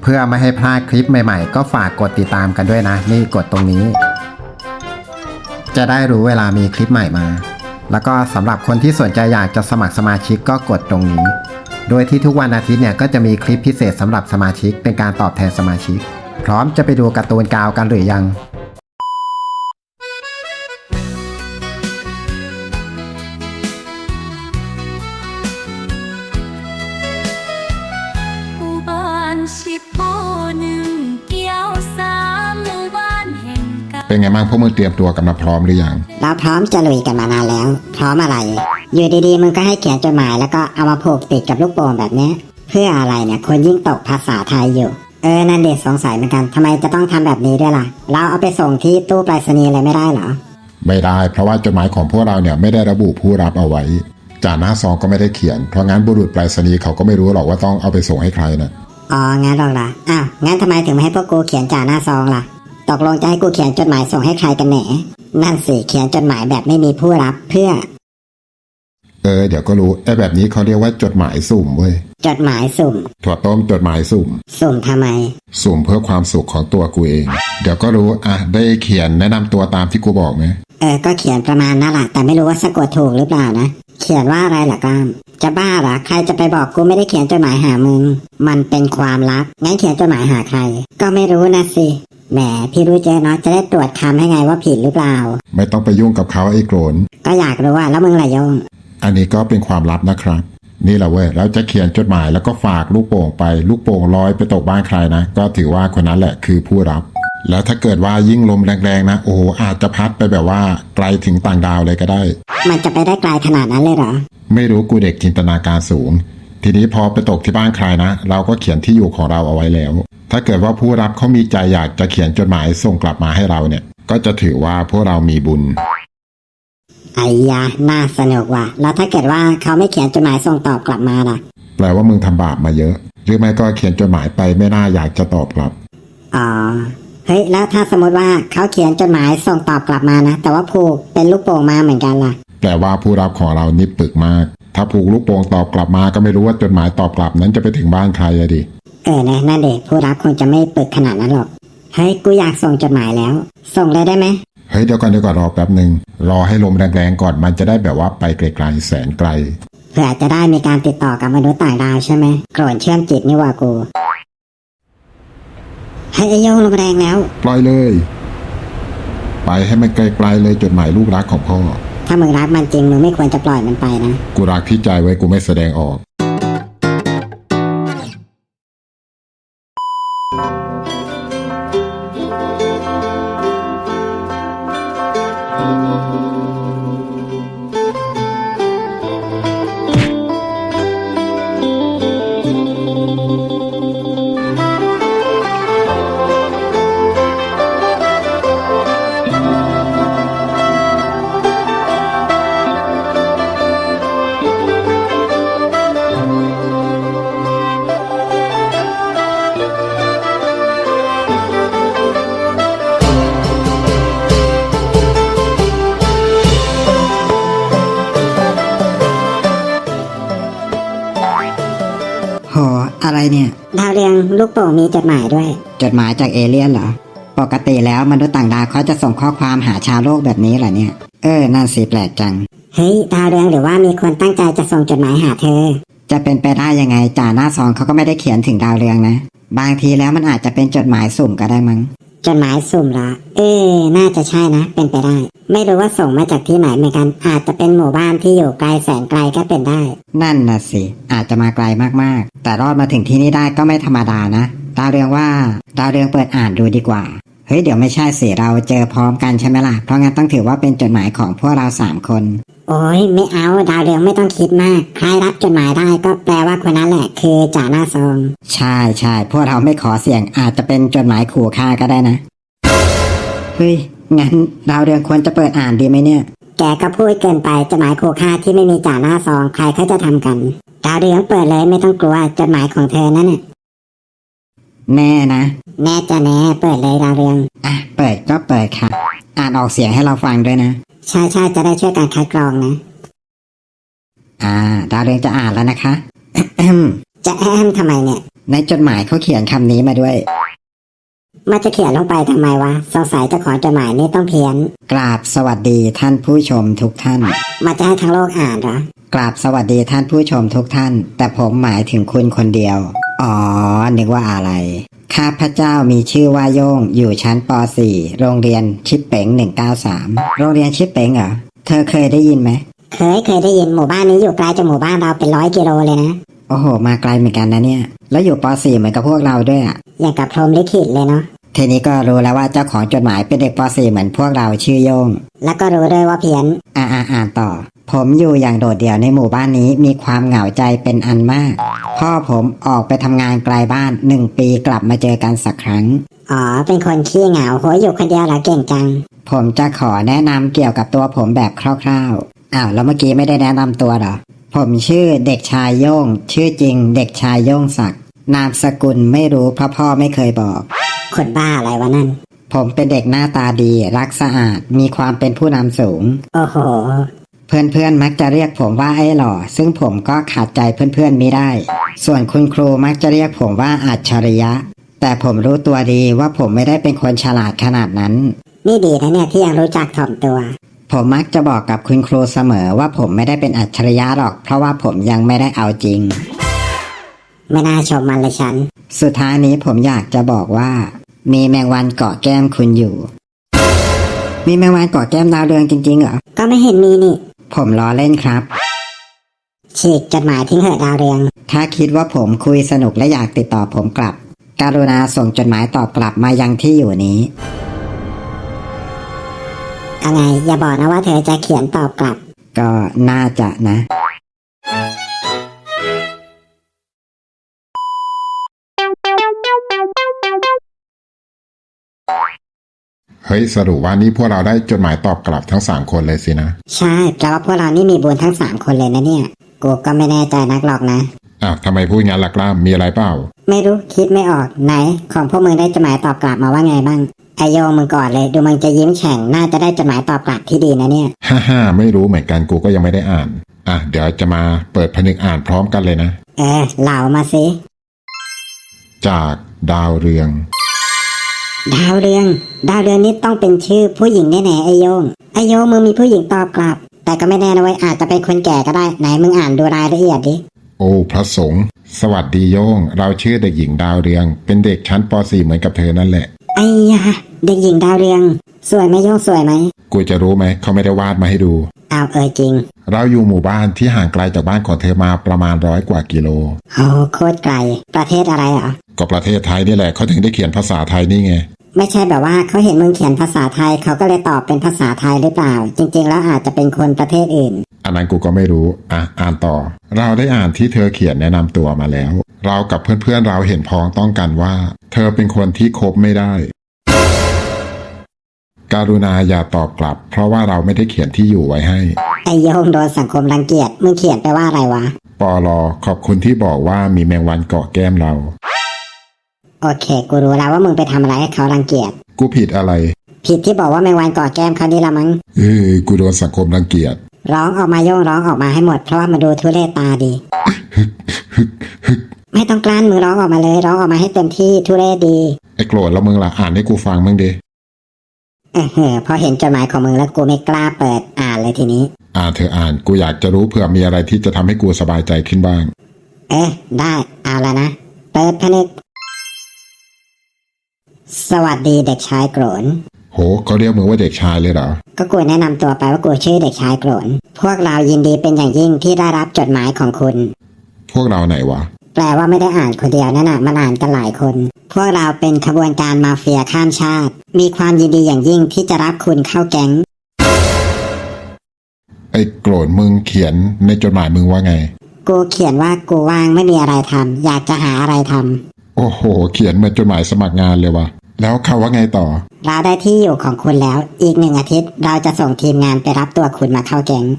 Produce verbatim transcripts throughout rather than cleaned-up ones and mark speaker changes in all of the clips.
Speaker 1: เพื่อไม่ให้พลาดคลิปใหม่ๆก็ฝากกดติดตามกันด้วยนะนี่กดตรงนี้จะได้รู้เวลามีคลิปใหม่มาแล้วก็สำหรับคนที่สนใจอยากจะสมัครสมาชิกก็กดตรงนี้โดยที่ทุกวันอาทิตย์เนี่ยก็จะมีคลิปพิเศษสำหรับสมาชิกเป็นการตอบแทนสมาชิกพร้อมจะไปดูการ์ตูนกาวกันหรือยัง
Speaker 2: เป็นไงบ้างพวกมึงเตรียมตัวกันมาพร้อมหรือยัง
Speaker 3: เราพร้อมจะลุยกันมานานแล้วพร้อมอะไรอยู่ดีๆมึงก็ให้เขียนจดหมายแล้วก็เอามาผูกติดกับลูกโป่งแบบนี้เพื่ออะไรเนี่ยคนยิ่งตกภาษาไทยอยู่เออนั่นเด็กสงสัยเหมือนกันทำไมจะต้องทำแบบนี้ด้วยล่ะเราเอาไปส่งที่ตู้ไปรษณีย์อะไรไม่ได้เหรอ
Speaker 2: ไม่ได้เพราะว่าจดหมายของพวกเราเนี่ยไม่ได้ระบุผู้รับเอาไว้จ่าหน้าซองก็ไม่ได้เขียนเพราะงั้นบุรุษไปรษณีย์เขาก็ไม่รู้หรอกว่าต้องเอาไปส่งให้ใครนะ
Speaker 3: อ๋องั้นหรอกล่ะอ้าวงั้นทำไมถึงไม่ให้พวกกูเขียนจ่าหน้าซองล่ะตกลงจะให้กูเขียนจดหมายส่งให้ใครกันแหนนั่นสิเขียนจดหมายแบบไม่มีผู้รับเพื่อ
Speaker 2: เออเดี๋ยวก็รู้ไอ้แบบนี้เขาเรียกว่าจดหมายสุ่มเว้ย
Speaker 3: จดหมายสุ่ม
Speaker 2: ถั่วต้มจดหมายสุ่ม
Speaker 3: สุ่มทำไม
Speaker 2: สุ่มเพื่อความสุขของตัวกูเองเดี๋ยวก็รู้อ่ะได้เขียนแนะนำตัวตามที่กูบอกไหม
Speaker 3: เออก็เขียนประมาณนั่นแหละแต่ไม่รู้ว่าสะกดถูกหรือเปล่านะเขียนว่าอะไรล่ะก้ามจะบ้าเหรอใครจะไปบอกกูไม่ได้เขียนจดหมายหามึงมันเป็นความลับงั้นเขียนจดหมายหาใครก็ไม่รู้นะสิแหมพี่รู้เจ๊เนาะจะได้ตรวจคำให้ไงว่าผิดหรือเปล่า
Speaker 2: ไม่ต้องไปยุ่งกับเขาไอ้โกรน
Speaker 3: ก็อยากรู้ว่าแล้วมึงล่ะโยง
Speaker 2: อันนี้ก็เป็นความลับนะครับนี่แหละเว้ยแล้วจะเขียนจดหมายแล้วก็ฝากลูกโป่งไปลูกโป่งลอยไปตกบ้านใครนะก็ถือว่าคนนั้นแหละคือผู้รับแล้วถ้าเกิดว่ายิ่งลมแรงๆนะโอ้อาจจะพัดไปแบบว่าไกลถึงต่างดาวเลยก็ได้
Speaker 3: มันจะไปได้ไกลขนาดนั้นเลยเหรอ
Speaker 2: ไม่รู้กูเด็กจินตนาการสูงทีนี้พอไปตกที่บ้านใครนะเราก็เขียนที่อยู่ของเราเอาไว้แล้วถ้าเกิดว่าผู้รับเขามีใจอยากจะเขียนจดหมายส่งกลับมาให้เราเนี่ยก็จะถือว่าพวกเรามีบุญ
Speaker 3: ไอ้ยาน่าสนุกว่ะแล้วถ้าเกิดว่าเขาไม่เขียนจดหมายส่งตอบกลับมาล่ะ
Speaker 2: แปลว่ามึงทำบาปมาเยอะหรือไม่ก็เขียนจดหมายไปไม่น่าอยากจะตอบกลับ
Speaker 3: อ๋อเฮ้ยแล้วถ้าสมมติว่าเขาเขียนจดหมายส่งตอบกลับมานะแต่ว่าผูกเป็นลูกโป่งมาเหมือนกันล่ะ
Speaker 2: แปลว่าผู้รับของเรานี่ปึกมากถ้าผูกลูกโป่งตอบกลับมาก็ไม่รู้ว่าจดหมายตอบกลับนั้นจะไปถึงบ้านใครอะดิ
Speaker 3: เออนะนั่นเด็กผู้รับคงจะไม่ปึกขนาดนั้นหรอกเฮ้ยกูอยากส่งจดหมายแล้วส่งเลยได้ไหม
Speaker 2: เฮ้ยเดี๋ยวก่อนเดี๋ยวก่อนรอแป๊บหนึ่งรอให้ลมแรงๆก่อนมันจะได้แบบว่าไปไกลๆแสนไกล
Speaker 3: เพื่อจะได้มีการติดต่อกับมนุษย์ต่างดาวใช่ไหมโกรธเชื่อมจิตนี่ว่ากูเฮ้ยโยงลมแรงแล้ว
Speaker 2: ปล่อยเลยไปให้มันไกลๆเลยจดหมายลูกรักของพ่อ
Speaker 3: ถ้ามึงรักมันจริงมึงไม่ควรจะปล่อยมันไปนะ
Speaker 2: กูรักที่ใจไว้กูไม่แสดงออก
Speaker 3: โหอะไรเนี่ยดาวเรืองลูกโป่งมีจดหมายด้วยจดหมายจากเอเลี่ยนเหรอปกติแล้วมนุษย์ต่างดาวเขาจะส่งข้อความหาชาวโลกแบบนี้เหรอเนี่ยเออนั่นสิแปลกจังเฮ้ยดาวเรืองหรือว่ามีคนตั้งใจจะส่งจดหมายหาเธอจะเป็นไปได้ยังไงจ่าหน้าซองเขาก็ไม่ได้เขียนถึงดาวเรืองนะบางทีแล้วมันอาจจะเป็นจดหมายสุ่มก็ได้มั้งจดหมายสุ่มเหรอเออน่าจะใช่นะเป็นไปได้ไม่รู้ว่าส่งมาจากที่ไหนเหมือนกันอาจจะเป็นหมู่บ้านที่อยู่ไกลแสนไกลก็เป็นได้นั่นน่ะสิอาจจะมาไกลมากๆแต่รอดมาถึงที่นี่ได้ก็ไม่ธรรมดานะดาวเรืองว่าดาวเรืองเปิดอ่านดูดีกว่าเฮ้ยเดี๋ยวไม่ใช่สิเราเจอพร้อมกันใช่ไหมล่ะเพราะงั้นต้องถือว่าเป็นจดหมายของพวกเราสามคนโอ้ยไม่เอาดาวเรืองไม่ต้องคิดมากใครรับจดหมายได้ก็แปลว่าคนนั้นแหละคือจ่าหน้าซองใช่ใช่พวกเราไม่ขอเสี่ยงอาจจะเป็นจดหมายขู่ฆ่าก็ได้นะเฮ้ยงั้นดาวเรืองควรจะเปิดอ่านดีไหมเนี่ยแกก็พูดเกินไปจดหมายขู่ฆ่าที่ไม่มีจ่าหน้าซองใครเขาจะทำกันดาวเรืองเปิดเลยไม่ต้องกลัวจดหมายของเธอนั่นน่ะแน่นะแน่จะแน่เปิดเลยดาวเรืองอ่ะเปิดก็เปิดค่ะอ่านออกเสียงให้เราฟังด้วยนะใช่ใช่จะได้ช่วยการคัดกรองนะอ่าดาวเรืองจะอ่านแล้วนะคะ จะแอมทำไมเนี่ยในจดหมายเขาเขียนคำนี้มาด้วย
Speaker 4: มันจะเขียนลงไปทำไมวะสงสัยเจ้าของจดหมายนี่ต้องเพี้ยน
Speaker 3: กราบสวัสดีท่านผู้ชมทุกท่าน
Speaker 4: มันจะให้ทั้งโลกอ่านเหรอ
Speaker 3: กราบสวัสดีท่านผู้ชมทุกท่าน แต่ผมหมายถึงคุณคนเดียวอ๋อนึกว่าอะไรข้าพเจ้ามีชื่อว่าโย่งอยู่ชั้นป .สี่ โรงเรียนชิปเป๋งหนึ่งเก้าสามโรงเรียนชิปเป๋งเหรอเธอเคยได้ยินไหม
Speaker 4: เคยเคยได้ยินหมู่บ้านนี้อยู่ไกลจากหมู่บ้านเราเป็นร้อยกิโลเลยนะ
Speaker 3: โอ้โหมาไกลเหมือนกันนะเนี่ยแล้วอยู่ป .สี่ เหมือนกับพวกเราด้วยอ่ะ
Speaker 4: อย่างกับพรหมลิขิตเลยเนาะ
Speaker 3: ทีนี้ก็รู้แล้วว่าเจ้าของจดหมายเป็นเด็กป .สี่ เหมือนพวกเราชื่อโย่ง
Speaker 4: แล้วก็รู้ด้วยว่าเพี้ยน
Speaker 3: อ่าอ่าอ่านต่อ ผมอยู่อย่างโดดเดี่ยวในหมู่บ้านนี้มีความเหงาใจเป็นอันมาก พ่อผมออกไปทำงานไกลบ้านหนึ่งปีกลับมาเจอกันสักครั้ง
Speaker 4: อ๋อเป็นคนขี้เหงาโหยอยู่คนเดียวเหรอเก่งจัง
Speaker 3: ผมจะขอแนะนำเกี่ยวกับตัวผมแบบคร่าวๆอ้าวแล้วเมื่อกี้ไม่ได้แนะนำตัวเหรอผมชื่อเด็กชายโย่งชื่อจริงเด็กชายโย่งศักดิ์นามสกุลไม่รู้เพราะพ่อไม่เคยบอก
Speaker 4: คนบ้าอะไรวะนั่น
Speaker 3: ผมเป็นเด็กหน้าตาดีรักสะอาดมีความเป็นผู้นำสูง
Speaker 4: โอ้โห
Speaker 3: เพื่อนๆมักจะเรียกผมว่าไอ้หล่อซึ่งผมก็ขาดใจเพื่อนๆไม่ได้ ส่วนคุณครูมักจะเรียกผมว่าอัจฉริยะ แต่ผมรู้ตัวดีว่าผมไม่ได้เป็นคนฉลาดขนาดนั้น
Speaker 4: นี่ดีนะเนี่ยที่ยังรู้จักถ่อมตัว
Speaker 3: ผมมักจะบอกกับคุณครูเสมอว่าผมไม่ได้เป็นอัจฉริยะหรอกเพราะว่าผมยังไม่ได้เอาจริง
Speaker 4: ไม่น่าชมมันเลยฉัน
Speaker 3: สุดท้ายนี้ผมอยากจะบอกว่า มีแมงวันเกาะแก้มคุณอยู่ มีแมงวันเกาะแก้มดาวเรืองจริงๆเหรอ
Speaker 4: ก็ไม่เห็นมีนี่
Speaker 3: ผมล้อเล่นครับ
Speaker 4: ฉีกจดหมายทิ้งเหอะดาวเรือง
Speaker 3: ถ้าคิดว่าผมคุยสนุกและอยากติดต่อผมกลับ กรุณาส่งจดหมายตอบกลับมายังที่อยู่นี้
Speaker 4: เอาไงอย่าบอกนะว่าเธอจะเขียนตอบกลับ
Speaker 3: ก็น่าจะนะ
Speaker 2: เฮ้ยสรุปว่านี่พวกเราได้จดหมายตอบกลับทั้งสามคนเลยสินะ
Speaker 4: ใช่แปลว่าพวกเรานี่มีบุญทั้งสามคนเลยนะเนี่ยกูก็ไม่แน่ใจนักหรอกนะ
Speaker 2: อ้าวทำไมพูดงั้นล่ะกล้ามมีอะไรเปล่า
Speaker 4: ไม่รู้คิดไม่ออกไหนของพวกมึงได้จดหมายตอบกลับมาว่าไงบ้างไอโยงมึงก่อนเลยดูมึงจะยิ้มแฉ่งน่าจะได้จดหมายตอบกลับที่ดีนะเนี่ย
Speaker 2: ฮ่าฮ่าไม่รู้เหมือนกันกูก็ยังไม่ได้อ่านอ่ะเดี๋ยวจะมาเปิดผนึกอ่านพร้อมกันเลยนะ
Speaker 4: เออเหล่ามาสิ
Speaker 2: จากดาวเรือง
Speaker 4: ดาวเรือง ดาวเรืองนี่ต้องเป็นชื่อผู้หญิงแน่ๆไอโยงไอโยงมึงมีผู้หญิงตอบกลับ แต่ก็ไม่แน่นะเว้ยอาจจะเป็นคนแก่ก็ได้ไหนมึงอ่านดูรายละเอียดดิ
Speaker 2: โอ้พระสงฆ์สวัสดีโยง เราชื่อเด็กหญิงดาวเรือง เป็นเด็กชั้นป .สี่ เหมือนกับเธอนั่นแหละ
Speaker 4: ไอ้ยาเด็กหญิงดาวเรือง สวยไหมโยงสวยไหม
Speaker 2: กูจะรู้ไหมเขาไม่ได้วาดมาให้ดู
Speaker 4: อ้าวเออจริง
Speaker 2: เราอยู่หมู่บ้านที่ห่างไกลจากบ้านของเธอมาประมาณร้อยกว่ากิโล
Speaker 4: โอ้โคตรไกลประเทศอะไรเหรอ
Speaker 2: ก็ประเทศไทยนี่แหละเขาถึงได้เขียนภาษาไทยนี่ไง
Speaker 4: ไม่ใช่แบบว่าเขาเห็นมึงเขียนภาษาไทยเขาก็เลยตอบเป็นภาษาไทยหรือเปล่า จริงๆแล้วอาจจะเป็นคนประเทศอื่น
Speaker 2: อันนั้นกูก็ไม่รู้อ่ะอ่านต่อ เราได้อ่านที่เธอเขียนแนะนำตัวมาแล้ว เรากับเพื่อนๆเราเห็นพ้องต้องกันว่า เธอเป็นคนที่คบไม่ได้ การุณาอย่าตอบกลับ เพราะว่าเราไม่ได้เขียนที่อยู่ไว้ให้
Speaker 4: ไอโยงโดนสังคมรังเกียจมึงเขียนไปว่าอะไรวะ
Speaker 2: ปอลอขอบคุณที่บอกว่ามีแมงวันเกาะแก้มเรา
Speaker 4: โอเคกูรู้แล้วว่ามึงไปทำอะไรให้เขารังเกียจ
Speaker 2: กูผิดอะไร
Speaker 4: ผิดที่บอกว่าแมงวันก่อแก้มเขานี่ละมั้ง
Speaker 2: เออกูโดนสังคมรังเกียจ
Speaker 4: ร้องออกมาโยงร้องออกมาให้หมดเพราะว่ามันดูทุเรศตาดี ไม่ต้องกลั้นมึงร้องออกมาเลยร้องออกมาให้เต็มที่ทุเรศดี
Speaker 2: ไอ้โกรธแล้วมึงล่ะอ่านให้กูฟังมึงดิ
Speaker 4: เออเฮ้อพอเห็นจดหมายของมึงแล้วกูไม่กล้าเปิดอ่านเลยทีนี้
Speaker 2: อ่านเธออ่านกูอยากจะรู้เผื่อมีอะไรที่จะทำให้กูสบายใจขึ้นบ้าง
Speaker 4: เอ๊ะได้เอาละนะเปิดผนึกสวัสดีเด็กชายโกรน
Speaker 2: โหเขาเรียกมึงว่าเด็กชายเลยเหรอ
Speaker 4: ก็กูแนะนำตัวไปว่ากูชื่อเด็กชายโกรนพวกเรายินดีเป็นอย่างยิ่งที่ได้รับจดหมายของคุณ
Speaker 2: พวกเราไหนวะ
Speaker 4: แปลว่าไม่ได้อ่านคนเดียวนั่นน่ะมันอ่านกันหลายคน พวกเราเป็นขบวนการมาเฟียข้ามชาติ มีความยินดีอย่างยิ่งที่จะรับคุณเข้าแก๊ง
Speaker 2: ไอ้โกรธมึงเขียนในจดหมายมึงว่าไง
Speaker 4: กูเขียนว่ากูว่างไม่มีอะไรทำอยากจะหาอะไรทำ
Speaker 2: โอ้โห เขียนเหมือนจดหมายสมัครงานเลยวะแล้วเขาว่าไงต่อ
Speaker 4: เราได้ที่อยู่ของคุณแล้ว อีกหนึ่งอาทิตย์เราจะส่งทีมงานไปรับตัวคุณมาเข้าแก๊ง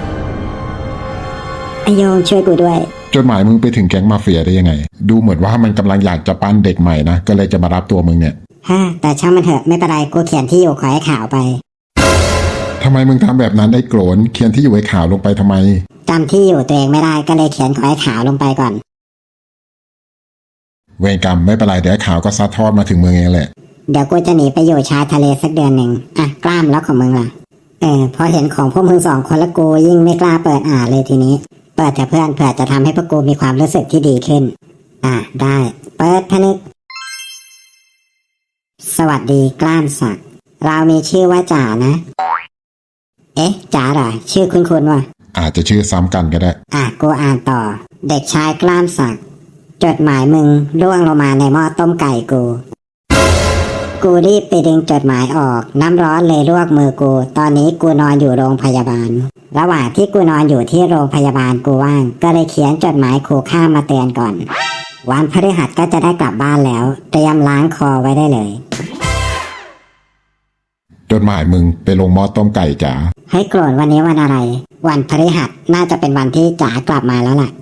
Speaker 4: ไอโยงช่วยกูด้วย
Speaker 2: จดหมายมึงไปถึงแก๊งมาเฟียได้ยังไง ดูเหมือนว่ามันกำลังอยากจะปั้นเด็กใหม่นะก็เลยจะมารับตัวมึงเนี่ย
Speaker 4: ฮะแต่ช่างมันเถอะไม่เป็นไรกูเขียนที่อยู่ขอให้ข่าวไป
Speaker 2: ทำไมมึงทำแบบนั้นไอ้โกรนเขียนที่อยู่ไอ้ข่าวลงไปทำไม
Speaker 4: จำที่อยู่ตัวเองไม่ได้ก็เลยเขียนขอให้ข่าวลงไปก่อน
Speaker 2: เวรกรรมไม่เป็นไรเดี๋ยวข่าวก็ซัดทอดมาถึงเมืองเองแหละ
Speaker 4: เดี๋ยวกูจะหนีไปอยู่ชายทะเลสักเดือนหนึ่งอ่ะกล้ามแล้วของมึงล่ะเออพอเห็นของพวกมึงสองคนละกูยิ่งไม่กล้าเปิดอ่านเลยทีนี้เปิดแต่เพื่อนเผื่อจะทำให้พวกกูมีความรู้สึกที่ดีขึ้นอ่ะได้เปิดพนึกสวัสดีกล้ามศักดิ์เรามีชื่อว่าจ๋านะเอ๊ะจ๋าเหรอชื่อคุณคุณวะ
Speaker 2: อาจจะชื่อซ้ำกันก็ได้
Speaker 4: อ่ะกูอ่านต่อ เด็กชายกล้ามศักดิ์จดหมายมึงร่วงลงมาในหม้อต้มไก่กู กูรีบไปดึงจดหมายออกน้ำร้อนเลยลวกมือกู ตอนนี้กูนอนอยู่โรงพยาบาล ระหว่างที่กูนอนอยู่ที่โรงพยาบาลกูว่าง ก็เลยเขียนจดหมายขู่ฆ่ามาเตือนก่อน วันพฤหัสก็จะได้กลับบ้านแล้ว เตรียมล้างคอไว้ได้เลย
Speaker 2: จดหมายมึงไปลงหม้อต้มไก่จ๋า
Speaker 4: ให้โกรธวันนี้วันอะไร วันพฤหัสน่าจะเป็นวันที่จ๋ากลับมาแล้วล่ะ